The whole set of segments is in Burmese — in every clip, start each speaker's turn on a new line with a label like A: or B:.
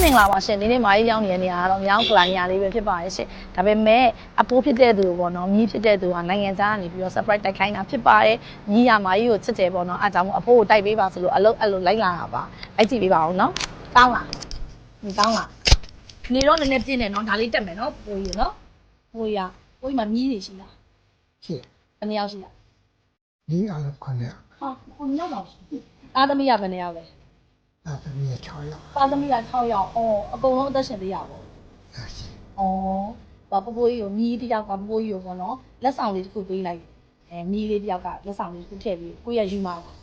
A: မင်္ဂလာပါရှင်ဒီနေ့မာကြီးရောက်နေတဲ့နေရာကတော့မြောင်းကလိုင်းညာလေးပဲဖြစ်ပါရဲ့ရှင်ဒါပေမဲ့အပိုးဖြစ်တဲ့သူပေါ့နော်မြီးဖြစ်တဲ့သူကနိုင်ငံသားကနေပြီးတော့ surprise တိုက်ခိုင်းတာဖြစ်ပါတယ်မြီးရမာကြီးကိုချစ်တယ်ပေါ့နော်အားကြောင့်အဖိုးကိုတိုက်ပေးပါဆိုလို့အလုပ်အဲ့လိုလိုက်လာတာပါလိုက်ကြည့်ပေးပါဦးနော်ကောင်းလားဒီကောင်းလားနေတော့နည်းနည်းပြင်းတယ်နော်ဒါလေးတက်မယ်နော်ပိုးကြီးနော်ပိုးကြီးမှာမြီးနေရှိလားရှိဘယ်နှစ်ယောက်ရှိလား
B: မြီးအားလုံး9ယောက်
A: ဟာ9ယောက်ပါရှိအားသမီးကဘယ်နှစ်ယောက်လဲ
B: သားသမီး6ယောက်
A: သားသမီးက6ယောက်အော်အကုန်လုံးအသက်ရှင်သေးရပါဘူးဘာပပိုးကြီးကိုမြီးတယောက်ကပပိုးကြီးကိုပေါ့နော်လက်ဆောင်လေးတစ်ခုပေးလိုက်မြီးလေးတယောက်ကလက်ဆောင်လေးတစ်ခုထည့်ပြီးကိုရယူမှာလား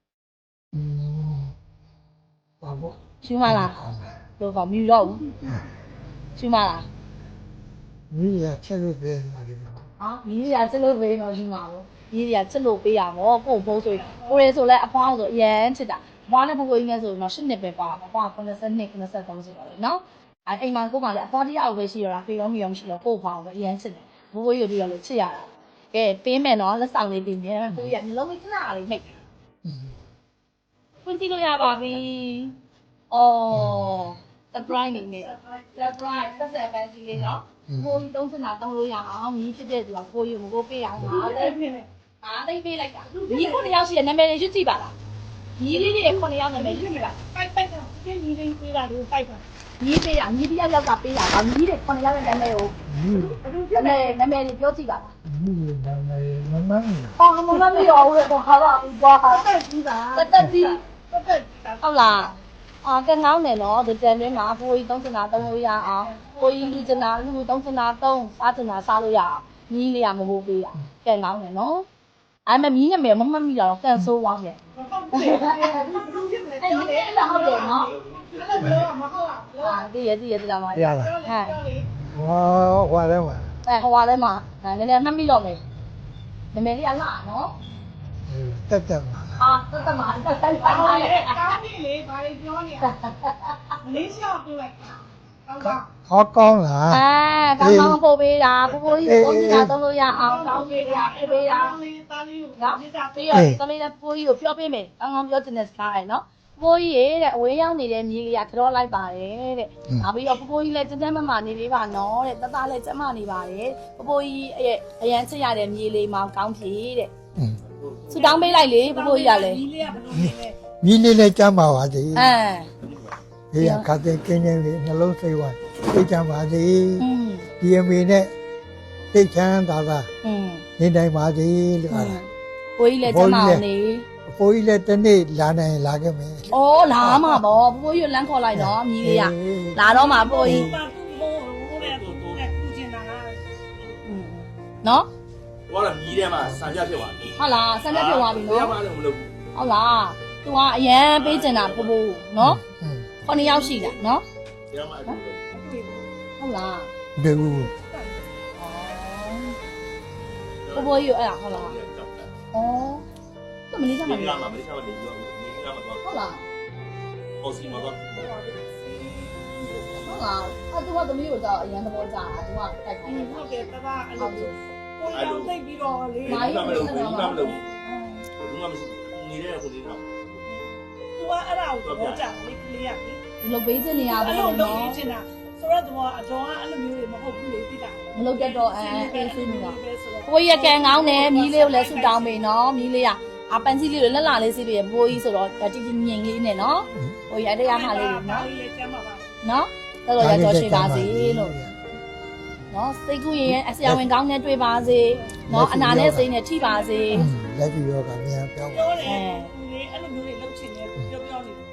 B: ဘာလို့
A: ယူမှာလားလို့ကောမြူတော့ဘူးယူမှာလား
B: မြီးရချက်လို့ပဲဟာ
A: မြီးရချက်လို့ပေးတော့ယူမှာဘူးမြီးရချက်လို့ပေးရမောကိုဘိုးဆိုကိုရဲဆိုလဲအဖွားဆိုအရန်ချစ်တာဘွားနဲ့ပပိုးကြီးနဲ့ဆိုတော့8နှစ်ပဲပါဘွား92 93ဆိုတော့လေနော်အိမ်မှာကိုမှလည်းအဖွားတရားပဲရှိရတာဖေရောမီရောမရှိတော့ကိုဖွားပဲအရန်ချစ်တယ်ဘိုးဘိုးကြီးတို့လည်းချစ်ရတာကဲပေးမယ်နော်လက်ဆောင်လေးတင်နေတယ်ကိုကြီးကမျိုးလုံးလေးခဏလေးနှိပ်ဖွင့်ကြည့်လို့ရပါပြီအော် surprise နေနဲ့ surprise ဆက်ဆက်ပန်းကြီးလေးနော်ကိုကြီး30နာတောင်းလို့ရအောင်မြည်ဖြစ်တဲ့သူကကိုကြီးကိုပေးအောင်ပါလေအားသိပေးလိုက်တာဒီခုနှစ်ယောက်ရှိတဲ့နာမည်တွေရွတ်ကြည့်ပါလားညီလေးတွေ9ယောက်နာမည်ရွတ်ကြည့်ပါပိုက်တာဒီညီလေးပေးတာလို့ပိုက်ပါညီပေးတာညီတယောက်ကပေးတာဗာညီတွေ9ယောက်ရဲ့နာမည်ကိုနာမည်တွေပြောကြည့်ပါလား
B: မြီးနာမည်မမန်း
A: မမမရောဘူးတော့ဟာတော့ဘွားဟာတက်ကြီးပါတက်ကြီးဟုတ်လားကဲငောင်းနေနော်ဒီတန်တွင်းမှာဖိုးကြီး30နာ3လို့ရအောင်ဖိုးကြီးလူကျနာလူ30နာ3စားကျနာစားလို့ရအောင်ညီလေးကမဖို့ပေးတာကဲငောင်းနေနော်အဲ့မမြည်ရမယ်မမမိတော့ကန်ဆိုးသွားပြန်အဲ့ဒါဟုတ်တယ်နော်ဒီရလာမှာ
B: ရလား
A: ဟမ်
B: ဟွာလဲမှာ
A: ဟိုထဲမှာနည်းနည်းနှမ်းပြီးတော့မယ်နည်းနည်းလေးအလားနော်
B: တက်မှာ
A: တက်မှာတက်
C: ကောင်းလေဘာတွေပြောနေလဲလေးလျှောက်ပြလိုက်
B: ကောင်းလား
A: ကောင်းပို့ပေးတာပိုးကြီးပုံစံသုံးလို့ရအောင်ကောင်းပေးတာပို့ပေးတာ
C: သားလေးကို
A: ငါပြီးတော့သမီးလည်းပိုးကြီးကိုပြောပေးမယ်ကောင်းပြောချင်တဲ့စကားရယ်နော်ပိုးကြီးရဲ့တဲ့အဝေးရောက်နေတဲ့မြေကြီးကကြောလိုက်ပါတယ်တဲ့နောက်ပြီးတော့ပိုးကြီးလည်းကျန်းမနေလေးပါနော်တဲ့တသားလည်းကျန်းမနေပါတယ်ပိုးကြီးရဲ့အရန်ချစ်ရတဲ့မြေလေးမောင်ကောင်းဖြေတဲ့ဆူတောင်းပေးလိုက်လေပိုးကြီးကလည်း
C: မြီးလေးကဘယ်လိုလဲ
B: မြီးလေးလည်းကျမ်းပါပါသေးဒီကခတ်တဲ့ကင်းနေပြီနှလုံးစိတ်ဝမ်းသိချမ်းပါစေဒီအမေနဲ့သိချမ်းသာသာနေနိုင်ပါစေလို့ဟာ
A: ပိုးကြီးလည်းကျမ်းပါနေ
B: အဖိုးကြီးလည်းတနေ့လာနိုင်လာခဲ့မယ်
A: ။အော်လာမှာပေါ့ပိုးကြီးလမ်းခေါ်လိုက်တော့မြည်လေးကလာတော့မှာပိုးကြီးနော်
D: ။ဟိုကမြည်ထဲမှာစံပြဖြစ်သွားပြီ
A: ။ဟုတ်လားစံပြဖြစ်သွားပြီနော်
D: ။ဘယ်မှလည်းမလုပ်ဘူး
A: ။ဟုတ်လား။ तू ကအရန်ပေးကျင်တာပိုးနော်။9ယောက်ရှိတာနော်
D: ။ဘယ်မှလည်းမလုပ်ဘူး
A: ။ဟုတ်လား
B: ။ဘယ်ဘူး
A: ။ပိုးကြီးအဲ့ဒါဟုတ်လား။အော်မလေးစားမှာ
D: မလေးစားမှာနေပြီးတော့
A: ဟုတ်လား
D: ပေါ်စီမှာတော့
A: ဟုတ်လားသူကသမီးကိုတော့အရန်သဘောကျတာသူကတိုက်ခိုင်းတယ်
C: ဟုတ်တယ်တပါအဲ့လိုကိုရောက်သိပြီးတော့လေ
D: ဘာမှမလုပ်ဘူးဘာမှမလုပ်ဘူးဘူးမှမရှိနေတဲ့ကိုလေးတော့
C: သူကအဲ့ဒါကိုတော့ကြာလေကလေးရပြီ
A: လုတ်ပေးချင်နေရပါ
C: ဘူးနော်လုတ်ပေးချင်တာဆိုတော့သူကအကျော်ကအဲ့လိုမျိုးတွေမဟုတ်ဘူးလေသိတာ
A: မလုတ်တတ်တော့အေးဆေးနေတာကိုရကန်ကောင်းတယ်မြီးလေးကိုလည်းဆူတောင်းပေးနော်မြီးလေးကအပန်းကြီးလေးတွေလက်လာလေးစီးပြီးဘိုးကြီးဆိုတော့တတိငြိမ်လေးနဲ့နော်ဘိုးကြီးအတရားမှလေးတွေနော်နော်တော်တော်ရတော့ရှိပါစေလို့နော်စိတ်ကူးရင်အဆရာဝန်ကောင်းနဲ့တွေ့ပါစေနော်အနာနဲ့စိတ်နဲ့ထိပါစေ
B: လက်ပြီးတော့ကမြန်ပြောပါ
C: ပြောတယ်လေအဲ့လိုမျိုးတွေလှုပ်ချင်တယ်ပြောနေတယ်